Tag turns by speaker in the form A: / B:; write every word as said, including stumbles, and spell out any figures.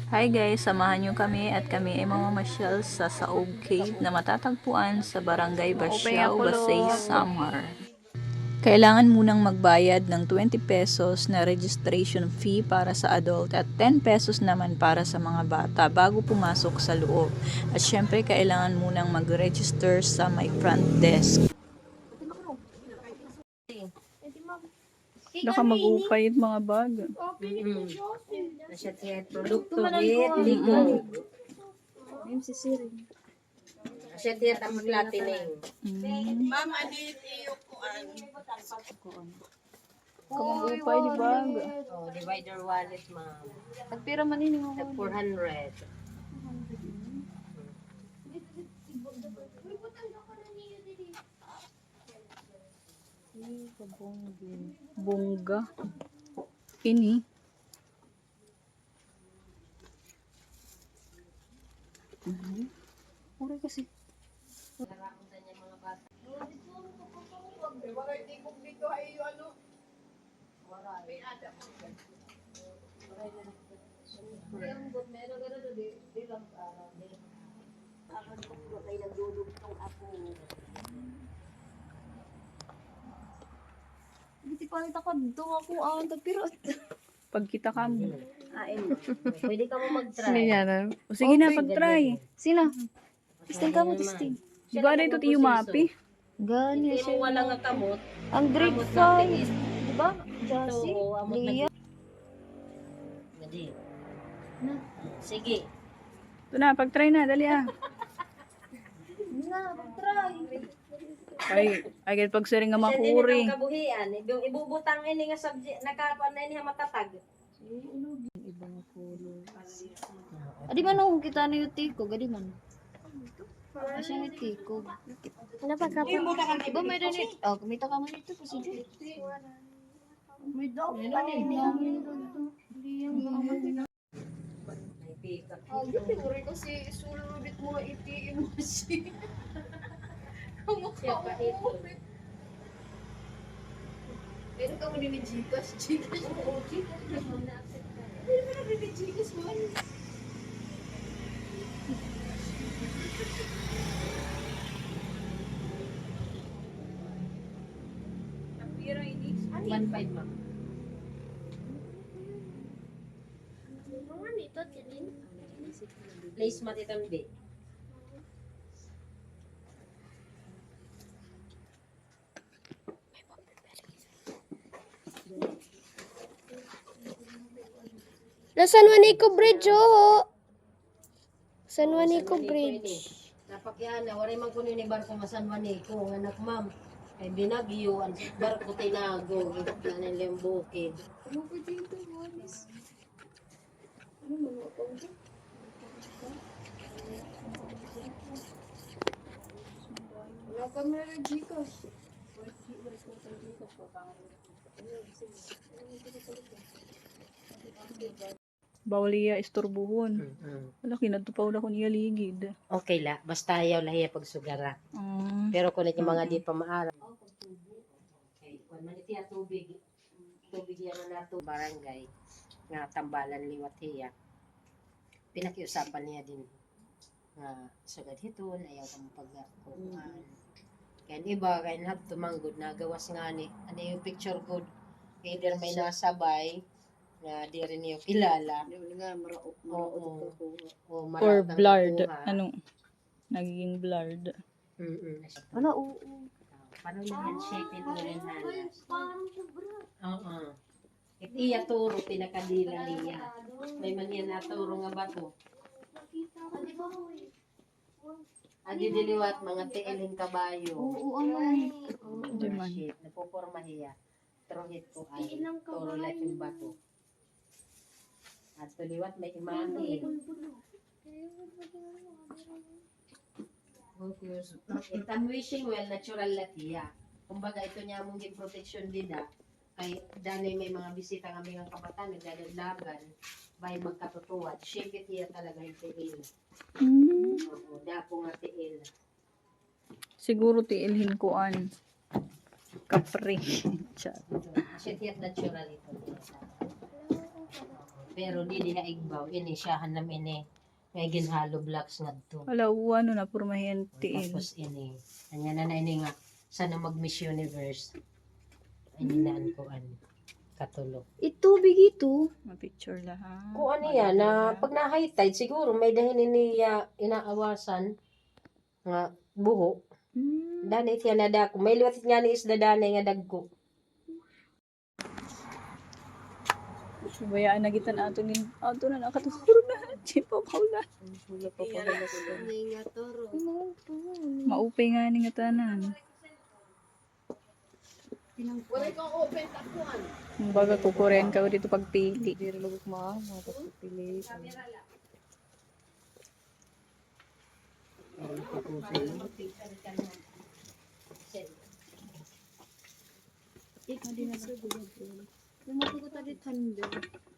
A: Hi guys, samahan nyo kami at kami ay mamamasyal sa Saog Cave na matatagpuan sa Barangay Basiao, Basay, Samar. Kailangan munang magbayad ng twenty pesos na registration fee para sa adult at ten pesos naman para sa mga bata bago pumasok sa loob. At syempre kailangan munang mag-register sa my front desk. Baka mag-upay mga bag.
B: Mm. Nasya tiyan produkto bit ligo. Nasya tiyan ta maglatineng.
C: Ma'am, adit iyo kuan.
A: Kung upay di bag.
B: Oh, divider wallet ma'am.
A: Nagpira man ini mo.
B: Tag four hundred.
A: Bongga. Ini. Mhm. Uri kasi.
D: Hindi palit ako dito ako ang tagpirot.
A: Pagkita ka mo.
B: Ain mo. Pwede ka mo mag-try.
A: Sinyanan. O sige na, pag-try.
D: Sila. Testing ka mo, testing.
A: Di ba na ito tiyo mapi?
D: Gani
B: Hindi mo wala nga kamot.
D: Ang grade
B: Amot
D: five.
B: natin.
D: Diba? Jassy,
B: Oo, amot na-
D: Leah.
B: Gadi. Sige.
A: Ito na, pag-try na, dali ah.
D: Na, try.
A: Ay, ay, pag siring nga
B: Siya din
A: makuri.
B: ang kabuhian. Ibu- Ibubutang ini nga subject. Nakakuan na ini nga matatag.
D: Adi man ako kita na yung tiko. Gadi man. Asya yung tiko. Ano pa ka po? Diba may rin ito? Oh, kumita ka man ito. Kasi may daw.
B: May pick up.
D: Ah, yun siguro kasi sulubit mo iti mo siya.
B: Siya pa ito.
D: Pero ka mo din ni Gcash. Gcash. Oo, Gcash. Pero ka na din ni Gcash mo.
B: one five ma'am. Place matitan B.
E: Na San Juanico Bridge, oh. San Juanico Bridge.
B: Napakyan na, waray man kunin ni barko nga San Juanico, nga anak ma'am. Ay binagyo, ang barko tinago, ganin lembukid.
D: Ano ba dito, Waris? Ano mga ako? Wala ka meron Gcash.
A: Bawal iya istorbuhon. Wala, kinatupaw na ko niya ligid.
B: Okay la, basta ayaw lahiya pagsugara.
A: Mm.
B: Pero kung yung mga di pa maara. Okay, kung manitiya tubig, tubig yan na nato barangay, nga tambalan liwat hiya. Pinakiusapan niya din nga sugad hiton, ayaw ka mapagkukuhan. Kaya iba, kaya lahat tumanggod, nagawas nga ni, ano yung picture good, either may nasabay, nga di rin niyo kilala.
D: Hindi nga, maraot.
B: Oo. O
A: Or
B: maratang
A: blurred.
B: nakuha.
A: Ano? Nagiging blurred.
B: Mm-mm.
D: Wala, oo.
B: Paano na handshake din mo rin halas? Oo. It iya turo, pinakadila niya. May man yan naturo nga bato. Adi diliwat, mga tiiling kabayo.
D: Oo, ano?
A: Di man.
B: Shit, napuporma hiya. Trohit ko ay turo lang yung bato. At tuliwat may imani. It I'm wishing well, natural latiya. Kumbaga ito niya mong give protection dida. Kay dali may mga bisita kami ng kabataan, naglalaglagan. Bay magkatutuwad. Shape it hiya talaga yung tiil.
A: Mm.
B: Oo, dapo nga tiil.
A: Siguro tiilhin ko an. Kapre. Chat.
B: Shape it natural ito. Pero dili nga igbaw, ini siyahan nam ini. May ginhalo blocks nga to.
A: Wala, ano na, purmahin tiin.
B: Tapos ini. Anya na na ini nga, sana mag Miss Universe. Ini na ang kuan. Katulog.
D: Itubig ito.
A: Ma-picture lahat.
B: Kung ano yan, na pag na high tide, siguro may dahin niya inaawasan nga buho.
A: Hmm.
B: Danay siya na dako. May liwat nga ni isda danay nga dagko.
A: Bayaan na kita na ato nin. Ato na nakaturo na. Chipa paula.
E: May nga toro.
A: Maupay nga ni nga tanan.
C: Wala kang open tapuan.
A: Baga kukuren ka dito pagpili.
D: Diri lugok mo, mo pili. Ikaw din na sa gulo. Kung matugot tadi thunder.